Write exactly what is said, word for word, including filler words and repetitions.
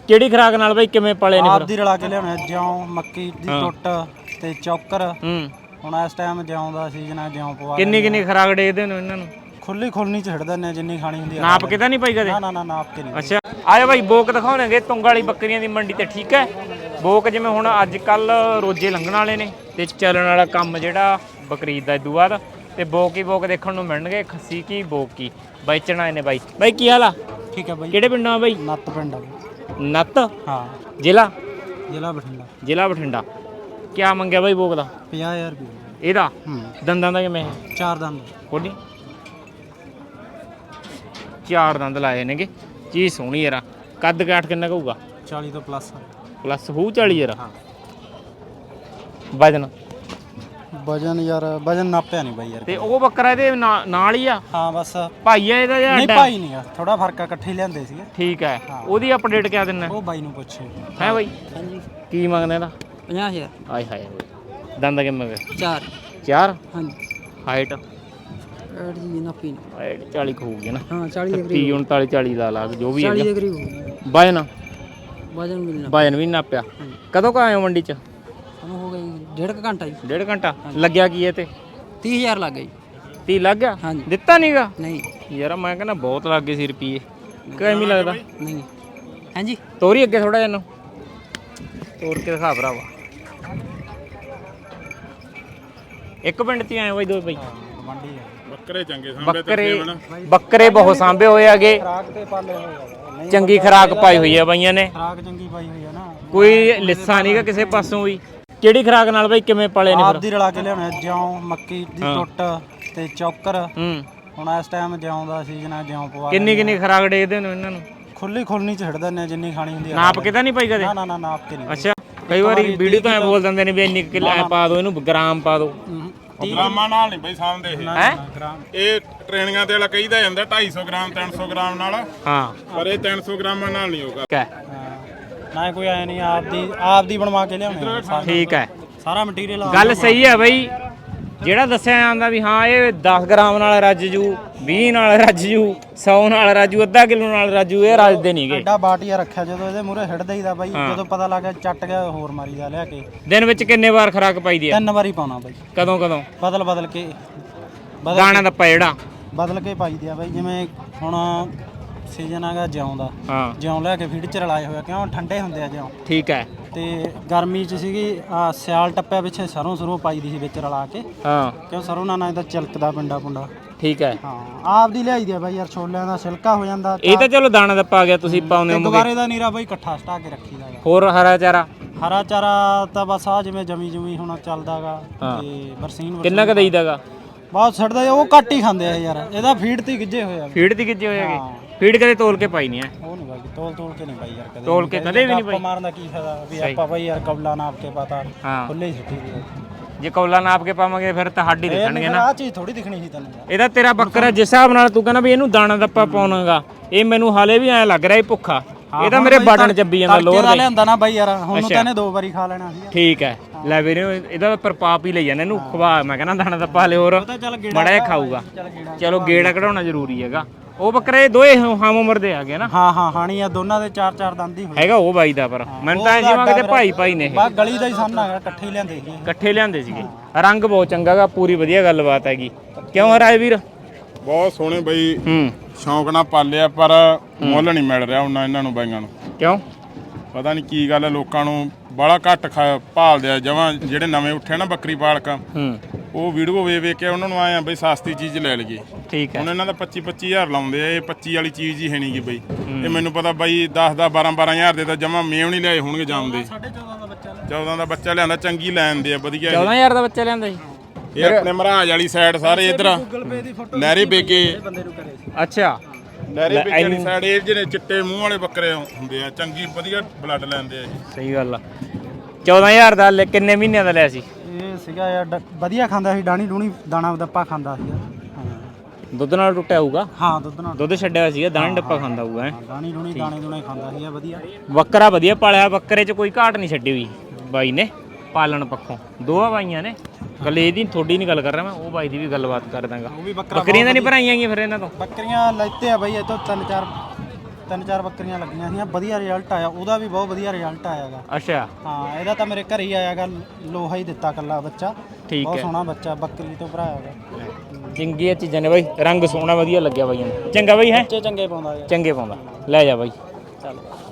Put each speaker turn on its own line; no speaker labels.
ਕਿਹੜੀ ਖਰਾਕ ਨਾਲ ਬਾਈ ਕਿਵੇਂ ਪਾਲੇ ਨੇ?
ਆਪ ਦੀ ਰਲਾ ਕੇ ਲਿਆਉਣੇ ਜਿਉਂ ਮੱਕੀ ਦੀ ਟੁੱਟ ਤੇ ਚੌਕਰ।
ਹੂੰ
ਹੁਣ ਇਸ ਟਾਈਮ ਜਿਉਂ ਦਾ ਸੀਜ਼ਨ ਆ, ਜਿਉਂ ਪਵਾ
ਕਿੰਨੀ ਕਿੰਨੀ ਖਰਾਕ ਡੇਦੇ ਨੇ ਇਹਨਾਂ ਨੂੰ?
ਖੁੱਲੀ ਖੁੱਲਣੀ ਚ ਛੱਡ ਦਿੰਦੇ ਜਿੰਨੀ ਖਾਣੀ ਹੁੰਦੀ ਆ।
ਨਾਪ ਕੇ ਤਾਂ ਨਹੀਂ ਪਾਈ ਕਦੇ?
ਨਾ ਨਾ ਨਾ ਨਾਪ ਕੇ ਨਹੀਂ।
ਅੱਛਾ ਆਏ ਬਾਈ ਬੋਕ ਦਿਖਾਉਣਗੇ ਤੁੰਗ ਵਾਲੀ ਬੱਕਰੀਆਂ ਦੀ ਮੰਡੀ ਤੇ, ਠੀਕ ਹੈ। ਬੋਕ ਜਿਵੇਂ ਹੁਣ ਅੱਜ ਕੱਲ ਰੋਜੇ ਲੰਘਣ ਵਾਲੇ ਨੇ ਤੇ ਚੱਲਣ ਵਾਲਾ ਕੰਮ ਜਿਹੜਾ ਬਕਰੀਦ ਦਾ ਇਦੋਂ ਬਾਅਦ, ਤੇ ਬੋਕ ਹੀ ਬੋਕ ਦੇਖਣ ਨੂੰ ਮਿਲਣਗੇ, ਖੱਸੀ ਕੀ ਬੋਕ ਕੀ ਵੇਚਣ ਆਏ ਨੇ ਬਾਈ। ਬਾਈ ਕੀ ਹਾਲ ਆ?
ਠੀਕ ਹੈ ਬਾਈ।
ਕਿਹੜੇ ਪਿੰਡੋਂ ਆ ਬਾਈ?
ਨੱਤ ਪਿੰਡ ਆ।
ਨੱਤ?
ਹਾਂ।
ਜ਼ਿਲ੍ਹਾ?
ਜ਼ਿਲ੍ਹਾ ਬਠਿੰਡਾ।
ਜ਼ਿਲ੍ਹਾ ਬਠਿੰਡਾ। ਕਿਆ ਮੰਗਿਆ ਬਾਈ ਬੋਕ ਦਾ?
ਪੰਜਾਹ ਹਜ਼ਾਰ ਰੁਪਏ
ਇਹਦਾ।
ਹੂੰ।
ਦੰਦਾਂ ਦਾ ਕਿਵੇਂ?
ਚਾਰ ਦੰਦ
ਕੋਡੀ ਚਾਰ ਦੰਦ ਲਾਏ ਨੇਗੇ, ਚੀਜ਼ ਸੋਹਣੀ ਯਾਰ। ਕੱਦ ਕਾਠ ਕਿੰਨਾ ਹੋਊਗਾ?
ਚਾਲੀ ਤੋਂ ਪਲੱਸ
ਪਲੱਸ ਹੋਊ ਚਾਲੀ ਯਾਰ।
ਹਾਂ।
ਵਜਨ?
ਵਜਨ ਯਾਰ ਵਜਨ ਨਾਪਿਆ ਨਹੀਂ ਬਾਈ ਯਾਰ।
ਤੇ ਉਹ ਬੱਕਰਾ ਇਹਦੇ ਨਾਲ ਹੀ ਆ?
ਹਾਂ ਬਸ
ਭਾਈ ਆ ਇਹਦਾ ਜਾਂ
ਨਹੀਂ? ਭਾਈ ਨਹੀਂ ਆ, ਥੋੜਾ ਫਰਕ ਆ, ਇਕੱਠੇ ਲਿਆਂਦੇ ਸੀਗੇ।
ਠੀਕ ਹੈ। ਉਹਦੀ ਅਪਡੇਟ ਕਿਆ ਦਿੰਨਾ?
ਉਹ ਬਾਈ ਨੂੰ ਪੁੱਛੇ
ਹੈ ਬਾਈ।
ਹਾਂਜੀ।
ਕੀ ਮੰਗਦਾ ਇਹਦਾ?
ਪੰਜਾਹ ਹਜ਼ਾਰ।
ਆਏ ਹਾਏ ਬਾਈ। ਦੰਦ ਕਿੰਨੇ ਮੰਗੇ?
ਚਾਰ।
ਚਾਰ?
ਹਾਂਜੀ।
ਹਾਈਟ?
ਐਡ ਜੀ ਨਾਪੀ
ਹਾਈਟ ਚਾਲੀ ਹੋਊਗੀ ਨਾ?
ਹਾਂ ਚਾਲੀ ਦੇ
ਤੀਹ ਉਨਤਾਲੀ ਚਾਲੀ ਲਾ ਲਾ ਜੋ ਵੀ ਹੈ।
ਚਾਲੀ ਦੇ ਕਰੀਬ ਹੋਊਗੀ।
ਵਜਨ?
ਵਜਨ ਮਿਲਣਾ।
ਵਜਨ ਵੀ ਨਾਪਿਆ? ਕਦੋਂ ਕ ਆਏ ਹੋ ਮੰਡੀ ਚ?
ਸਾਨੂੰ ਹੋ ਗਿਆ ਡੇਢ ਕੁ ਘੰਟਾ ਜੀ।
ਡੇਢ ਘੰਟਾ ਲੱਗਿਆ ਕੀ ਇਹ ਤੇ?
ਤੀਹ ਹਜ਼ਾਰ ਲੱਗ ਗਈ।
ਤੀਹ ਲੱਗ ਗਿਆ?
ਹਾਂਜੀ।
ਦਿੱਤਾ ਨਹੀਂਗਾ?
ਨਹੀਂ
ਯਾਰ ਮੈਂ ਕਹਿੰਦਾ ਬਹੁਤ ਲੱਗ ਗਏ ਸੀ ਰੁਪਈਏ। ਕਿਵੇਂ ਲੱਗਦਾ?
ਨਹੀਂ। ਹਾਂਜੀ
ਤੋਰੀ ਅੱਗੇ ਥੋੜਾ ਜਿਹਾ ਨੂੰ ਤੋਰ ਕੇ ਦਿਖਾ ਭਰਾਵਾ। ਇੱਕ ਪਿੰਡ ਚ ਆਏ ਬਾਈ ਦੋ ਬਾਈ?
ਮੰਡੀ ਹੈ।
ਬੱਕਰੇ ਚੰਗੇ ਸਾਂਭੇ
ਬੱਕਰੇ ਬੱਕਰੇ ਬਹੁਤ ਸਾਂਭੇ ਹੋਏ ਆਗੇ।
ਖਰਾਕ ਤੇ ਪਾਲੇ ਹੋਏ ਆ।
ਚੰਗੀ ਖਰਾਕ ਪਾਈ ਹੋਈ ਆ ਬਾਈਆਂ ਨੇ।
ਖਰਾਕ ਚੰਗੀ ਪਾਈ ਹੋਈ ਆ ਨਾ।
ਕੋਈ ਲਿੱਸਾ ਨਹੀਂਗਾ ਕਿਸੇ ਪਾਸੋਂ ਵੀ। ਕਿਹੜੀ ਖਰਾਕ ਨਾਲ ਬਾਈ ਕਿਵੇਂ ਪਾਲੇ ਨੇ
ਆਪ
ਫਿਰ?
ਦੀ ਰਲਾ ਕੇ ਲਿਆਉਣੇ ਜਿਉਂ ਮੱਕੀ ਦੀ ਟੁੱਟ ਤੇ ਚੌਕਰ।
ਹੂੰ।
ਹੁਣ ਇਸ ਟਾਈਮ ਜਿਉਂ ਦਾ ਸੀਜ਼ਨ ਆ, ਜਿਉਂ ਪਵਾ
ਕਿੰਨੀ ਕਿੰਨੀ ਖਰਾਕ ਡੇਦੇ ਨੇ ਇਹਨਾਂ ਨੂੰ?
ਖੁੱਲੀ ਖੁੱਲਣੀ ਚ ਛੱਡ ਦਿੰਦੇ ਜਿੰਨੀ ਖਾਣੀ ਹੁੰਦੀ ਆ।
ਨਾਪ ਕੇ ਤਾਂ ਨਹੀਂ ਪਾਈ ਕਦੇ?
ਨਾ ਨਾ ਨਾ ਨਾਪ ਕੇ ਨਹੀਂ।
ਅੱਛਾ ਕਈ ਵਾਰੀ ਵੀਡੀਓ ਤਾਂ ਐ ਬੋਲ ਦਿੰਦੇ ਨੇ ਵੀ ਇੰਨੀ ਕਿਲੋ ਐ ਪਾ ਦਿਓ, ਇਹਨੂੰ ਗ੍ਰਾਮ ਪਾ ਦਿਓ।
ਗ੍ਰਾਮਾਂ ਨਾਲ ਨਹੀਂ ਬਈ ਸਾਂਭਦੇ ਇਹ।
ਹੈ
ਇਹ ਟ੍ਰੇਨਿੰਗਾਂ ਤੇ ਵਾਲਾ ਕਹੀਦਾ ਜਾਂਦਾ ਢਾਈ ਸੌ ਗ੍ਰਾਮ ਤਿੰਨ ਸੌ ਗ੍ਰਾਮ ਨਾਲ,
ਹਾਂ।
ਪਰ ਇਹ ਤਿੰਨ ਸੌ ਗ੍ਰਾਮਾਂ ਨਾਲ ਨਹੀਂ ਹੋਗਾ।
ਠੀਕ ਹੈ।
ਨਾ ਕੋਈ ਆਇਆ ਨਹੀਂ, ਆਪ ਦੀ ਆਪ ਦੀ ਬਣਵਾ ਕੇ ਲਿਆਉਣੇ ਆ।
ਠੀਕ ਹੈ,
ਸਾਰਾ ਮਟੀਰੀਅਲ
ਗੱਲ ਸਹੀ ਹੈ ਬਈ। ਜਿਹੜਾ ਦੱਸਿਆ ਜਾਂਦਾ ਵੀ ਹਾਂ ਇਹ ਦਸ ਗ੍ਰਾਮ ਨਾਲ ਰੱਜ ਜੂ, ਵੀਹ ਨਾਲ ਰੱਜ ਜੂ, ਸੌ ਨਾਲ ਰਾਜੂ, ਅੱਧਾ ਕਿਲੋ ਨਾਲ ਰਾਜੂ, ਇਹ ਰੱਜਦੇ ਨਹੀਂਗੇ।
ਐਡਾ ਬਾਟੀਆ ਰੱਖਿਆ ਜਦੋਂ ਇਹਦੇ ਮੂਹਰੇ ਹਿੱਟ ਦਈਦਾ ਬਾਈ। ਜਦੋਂ ਪਤਾ ਲੱਗਾ ਚੱਟ ਗਿਆ ਹੋਰ ਮਾਰੀਦਾ ਲਿਆ ਕੇ।
ਦਿਨ ਵਿੱਚ ਕਿੰਨੇ ਵਾਰ ਖਰਾਕ ਪਾਈਦੀ ਆ?
ਤਿੰਨ ਵਾਰੀ ਪਾਉਣਾ ਬਾਈ।
ਕਦੋਂ ਕਦੋਂ?
ਬਦਲ ਬਦਲ ਕੇ
ਦਾਣਾ ਦੱਪਾ ਜਿਹੜਾ
ਬਦਲ ਕੇ ਪਾਈਦੀ ਆ ਬਾਈ। ਜਿਵੇਂ ਹੁਣ ਸੀਜ਼ਨ ਆਗਾ ਜਿਉਂ ਦਾ,
ਹਾਂ
ਜਿਉਂ ਲੈ ਕੇ ਫੀਡ ਚ ਰਲਾਏ ਹੋਇਆ, ਕਿਉਂ ਠੰਡੇ ਹੁੰਦੇ ਆ ਜਿਉਂ।
ਠੀਕ ਹੈ।
ਤੇ ਗਰਮੀ ਚ ਸੀਗੀ ਆ ਸਿਆਲ ਟੱਪਿਆ ਪਿੱਛੇ ਸਰੋਂ ਸਰੋਂ ਪਾਈਦੀ ਸੀ ਵਿੱਚ ਰਲਾ ਕੇ,
ਹਾਂ
ਕਿਉਂ ਸਰੋਂ ਨਾਲ ਨਾ ਇਹਦਾ ਚਿਲਕਦਾ ਪਿੰਡਾ ਪੁੰਡਾ।
ਠੀਕ ਹੈ।
ਹਾਂ ਆਪ ਦੀ ਲਿਆਈ ਦੀ ਆ ਬਾਈ ਯਾਰ। ਛੋਲਿਆਂ ਦਾ ਛਿਲਕਾ ਹੋ ਜਾਂਦਾ।
ਇਹ ਤਾਂ ਚਲੋ ਦਾਣਾ ਦੱਪਾ ਆ ਗਿਆ, ਤੁਸੀਂ ਪਾਉਂਦੇ ਹੋ।
ਦੁਬਾਰੇ ਦਾ ਨੀਰਾ ਬਾਈ ਇਕੱਠਾ ਸਟਾ ਕੇ ਰੱਖੀਦਾ ਗਾ।
ਹੋਰ ਹਰਾ ਚਾਰਾ?
ਹਰਾ ਚਾਰਾ ਤਾਂ ਬਸ ਆ ਜਿਵੇਂ ਜਮੀ ਜਮੀ ਹੁਣ ਚੱਲਦਾਗਾ ਤੇ ਬਰਸੀਨ
ਕਿੰਨਾ ਕ ਦੇਈਦਾਗਾ?
ਬਹੁਤ ਛੱਡਦਾ ਉਹ ਘੱਟ ਹੀ ਖਾਂਦੇ ਆ ਯਾਰ। ਇਹਦਾ ਫੀਡ ਤੇ ਗਿੱਜੇ ਹੋਏ ਆ।
ਫੀਡ ਦੀ ਗਿੱਜੇ ਹੋਏਗੇ? ਫੀਡ ਕਦੇ ਤੋਲ ਕੇ ਪਾਈ ਨਹੀਂ ਹੈ?
ਉਹ ਨਹੀਂ ਬਾਈ ਤੋਲ ਤੋਲ ਕੇ ਨਹੀਂ ਬਾਈ ਯਾਰ। ਕਦੇ
ਤੋਲ ਕੇ ਕਦੇ ਵੀ ਨਹੀਂ ਪਾਈ?
ਮਾਰਨ ਦਾ ਕੀ ਫਾਇਦਾ ਵੀ ਆਪਾਂ ਬਾਈ ਯਾਰ ਕਬਲਾ ਨਾਪ ਕੇ ਪਤਾ
ਹਾਂ
ਖੁੱਲੇ ਹੀ ਸਿੱਟੀ ਦੀ।
ਜੇ ਕੌਲਾ ਨਾਪ ਕੇ ਪਾਵਾਂਗੇ ਫਿਰ ਤਾਂ ਹੱਡ ਹੀ ਦਿਖਣਗੇ ਨਾ।
ਆਹ ਚੀਜ਼ ਥੋੜੀ ਦਿਖਣੀ ਸੀ ਤੈਨੂੰ ਯਾਰ।
ਇਹਦਾ ਤੇਰਾ ਬੱਕਰਾ ਜਿਸ ਹਿਸਾਬ ਨਾਲ ਤੂੰ ਕਹਿੰਦਾ ਵੀ ਇਹਨੂੰ ਦਾਣਾ ਦੱਪਾ ਪਾਉਣਾਗਾ, ਇਹ ਮੈਨੂੰ ਹਾਲੇ ਵੀ ਐ ਲੱਗ ਰਿਹਾ ਇਹ ਭੁੱਖਾ। ਇਹ ਤਾਂ ਮੇਰੇ ਬਟਨ ਚੱਬੀ ਜਾਂਦਾ ਲੋਰ
ਦਾ ਲਿਆਂਦਾ ਨਾ ਬਾਈ ਯਾਰ। ਹੁਣ ਤਾਂ ਇਹਨੇ ਦੋ ਵਾਰੀ ਖਾ ਲੈਣਾ ਸੀ।
ਠੀਕ ਹੈ। ਲੈ ਵੀਰੇ ਇਹਦਾ ਪ੍ਰਪਾਪ ਹੀ ਲਈ ਜਾਂਦਾ ਇਹਨੂੰ ਖਵਾ। ਮੈਂ ਕਹਿੰਦਾ ਦਾਣਾ ਦੱਪਾ ਹਲੇ ਹੋਰ ਮਾੜਾ ਜਿਹਾ ਖਾਊਗਾ। ਚਲੋ ਗੇੜਾ ਕਢਾਉਣਾ ਜ਼ਰੂਰੀ ਹੈਗਾ। ਉਹ ਬੱਕਰੇ ਦੋਏ ਹਮ ਉਮਰ ਦੇ ਆ ਗਏ ਨਾ?
ਹਾਂ ਹਾਂ ਹਾਣੀ ਆ ਦੋਨਾਂ ਦੇ ਚਾਰ ਚਾਰ ਦੰਦ ਹੀ ਹੋਏ
ਹੈਗਾ ਉਹ ਬਾਈ ਦਾ। ਪਰ ਮੈਨੂੰ ਤਾਂ ਜਿਵੇਂ ਕਿਤੇ ਭਾਈ ਭਾਈ ਨੇ ਇਹ
ਬਾ ਗਲੀ ਦਾ ਹੀ ਸਾਹਮਣਾ ਹੈਗਾ। ਇਕੱਠੇ ਹੀ ਲਿਆਂਦੇ ਸੀ।
ਇਕੱਠੇ ਲਿਆਂਦੇ ਸੀਗੇ। ਰੰਗ ਬਹੁਤ ਚੰਗਾਗਾ, ਪੂਰੀ ਵਧੀਆ ਗੱਲਬਾਤ ਹੈਗੀ। ਕਿਉਂ ਹਰਾਏ ਵੀਰ?
ਬਹੁਤ ਸੋਹਣੇ ਬਈ।
ਹੂੰ
ਸ਼ੌਂਕ ਨਾਲ ਪਾਲਿਆ ਪਰ ਮੁੱਲ ਨਹੀਂ ਮਿਲ ਰਿਹਾ ਉਹਨਾਂ ਇਹਨਾਂ ਨੂੰ ਬਾਈਆਂ ਨੂੰ।
ਕਿਉਂ?
ਪਤਾ ਨਹੀਂ ਕੀ ਗੱਲ ਹੈ, ਲੋਕਾਂ ਨੂੰ ਬੜਾ ਘੱਟ ਭਾਲਦੇ ਆ ਜਮਾਂ। ਜਿਹੜੇ ਨਵੇਂ ਉੱਠੇ ਨਾ ਬੱਕਰੀ ਪਾਲਕ,
ਹੂੰ
ਉਹ ਵੀਡੀਓ ਵੇਖ ਵੇਖ ਕੇ ਉਹਨਾਂ ਨੂੰ ਆਏ ਆ ਬਈ ਸਸਤੀ ਚੀਜ਼ ਲੈ ਲਈਏ।
ਠੀਕ ਹੈ।
ਹੁਣ ਇਹਨਾਂ ਦਾ ਪੱਚੀ ਪੱਚੀ ਹਜ਼ਾਰ ਲਾਉਂਦੇ ਆ। ਇਹ ਪੱਚੀ ਵਾਲੀ ਚੀਜ਼ ਹੀ ਹੈ ਨਹੀਂ ਗੀ ਬਈ। ਇਹ ਮੈਨੂੰ ਪਤਾ ਬਾਈ ਦਸ ਦਸ ਬਾਰਾਂ ਬਾਰਾਂ ਹਜ਼ਾਰ ਦੇ ਤਾਂ ਜਮਾਂ ਮੇਵ ਨਹੀਂ ਲਿਆਏ ਹੋਣਗੇ ਜਾਂਦੇ। ਚੌਦਾਂ ਦਾ ਬੱਚਾ ਲਿਆਂਦਾ, ਚੰਗੀ ਲੈਣ ਦੇ ਆ ਵਧੀਆ।
ਚੌਦਾਂ ਹਜ਼ਾਰ ਦਾ ਬੱਚਾ ਲਿਆਂਦਾ ਜੀ?
ਇਹ ਆਪਣੇ ਮਹਾਰਾਜ ਵਾਲੀ ਸਾਈਡ ਸਾਰੇ ਇਧਰ ਨਹਿਰੀ ਬੇਗੇ।
ਅੱਛਾ
ਨਹਿਰੀ ਬੇਗੇ ਵਾਲੀ ਸਾਈਡ ਇਹ ਜਿਹੜੇ ਚਿੱਟੇ ਮੂੰਹ ਵਾਲੇ ਬੱਕਰੇ ਹੁੰਦੇ ਆ, ਚੰਗੀ ਵਧੀਆ ਬਲੱਡ ਲੈਂਦੇ ਆ ਜੀ।
ਸਹੀ ਗੱਲ ਆ। ਚੌਦਾਂ ਹਜ਼ਾਰ ਦਾ ਲੈ ਕਿੰਨੇ ਮਹੀਨਿਆਂ ਦਾ ਲਿਆ ਸੀ?
ਇਹ ਸੀਗਾ ਯਾਰ ਡ- ਵਧੀਆ ਖਾਂਦਾ ਸੀ। ਡਾਣੀ ਡੂਣੀ ਦਾਣਾ ਦੱਪਾ ਖਾਂਦਾ ਸੀ।
ਦੁੱਧ ਨਾਲ ਟੁੱਟਿਆ ਹੋਊਗਾ?
ਹਾਂ ਦੁੱਧ ਨਾਲ
ਦੁੱਧ ਛੱਡਿਆ ਹੋਇਆ ਸੀਗਾ, ਦਾਣਾ ਡੱਪਾ ਖਾਂਦਾ ਹੋਊਗਾ। ਹੈਂ?
ਡਾਣੀ ਡੂਣੀ ਦਾਣੇ ਦੂਣੇ ਖਾਂਦਾ ਸੀ ਵਧੀਆ।
ਬੱਕਰਾ ਵਧੀਆ ਪਾਲਿਆ। ਬੱਕਰੇ 'ਚ ਕੋਈ ਘਾਟ ਨਹੀਂ ਛੱਡੀ ਹੋਈ ਬਾਈ ਨੇ ਪਾਲਣ ਪੱਖੋਂ। ਦੋਵਾਂ ਬਾਈਆਂ ਨੇ ਗੱਲ ਇਹਦੀ ਥੋੜੀ ਨਹੀਂ ਗੱਲ ਕਰ ਰਿਹਾ ਮੈਂ, ਉਹ ਬਾਈ ਦੀ ਵੀ ਗੱਲਬਾਤ ਕਰ ਦਾਂਗਾ।
ਉਹ ਵੀ ਬੱਕਰਾ
ਬੱਕਰੀਆਂ ਤਾਂ ਨਹੀਂ ਭਰਾਈਆਂ ਗਈਆਂ ਫਿਰ ਇਹਨਾਂ ਤੋਂ?
ਬੱਕਰੀਆਂ ਲੈਤੇ ਆ ਬਾਈ ਇਹ ਤੋਂ ਤਿੰਨ ਚਾਰ ਤਿੰਨ ਚਾਰ ਬੱਕਰੀਆਂ ਲੱਗੀਆਂ ਸੀਆਂ, ਵਧੀਆ ਰਿਜ਼ਲਟ ਆਇਆ ਉਹਦਾ ਵੀ, ਬਹੁਤ ਵਧੀਆ ਰਿਜ਼ਲਟ ਆਇਆਗਾ।
ਅੱਛਾ
ਹਾਂ ਇਹਦਾ ਤਾਂ ਮੇਰੇ ਘਰੇ ਹੀ ਆਇਆਗਾ, ਲੋਹਾ ਹੀ ਦਿੱਤਾ ਕੱਲਾ ਬੱਚਾ,
ਠੀਕ
ਬਹੁਤ
ਹੈ।
ਸੋਹਣਾ ਬੱਚਾ ਬੱਕਰੀ ਤੋਂ ਭਰਾਇਆਗਾ।
ਚੰਗੀਆਂ ਚੀਜ਼ਾਂ ਨੇ ਬਾਈ, ਰੰਗ ਸੋਹਣਾ ਵਧੀਆ ਲੱਗਿਆ ਬਾਈਆਂ ਨੂੰ। ਚੰਗਾ ਬਾਈ ਹੈ,
ਬੱਚੇ ਚੰਗੇ ਪਾਉਂਦਾ ਯਾਰ।
ਚੰਗੇ ਪਾਉਂਦਾ, ਲੈ ਜਾ ਬਾਈ।
ਚੱਲ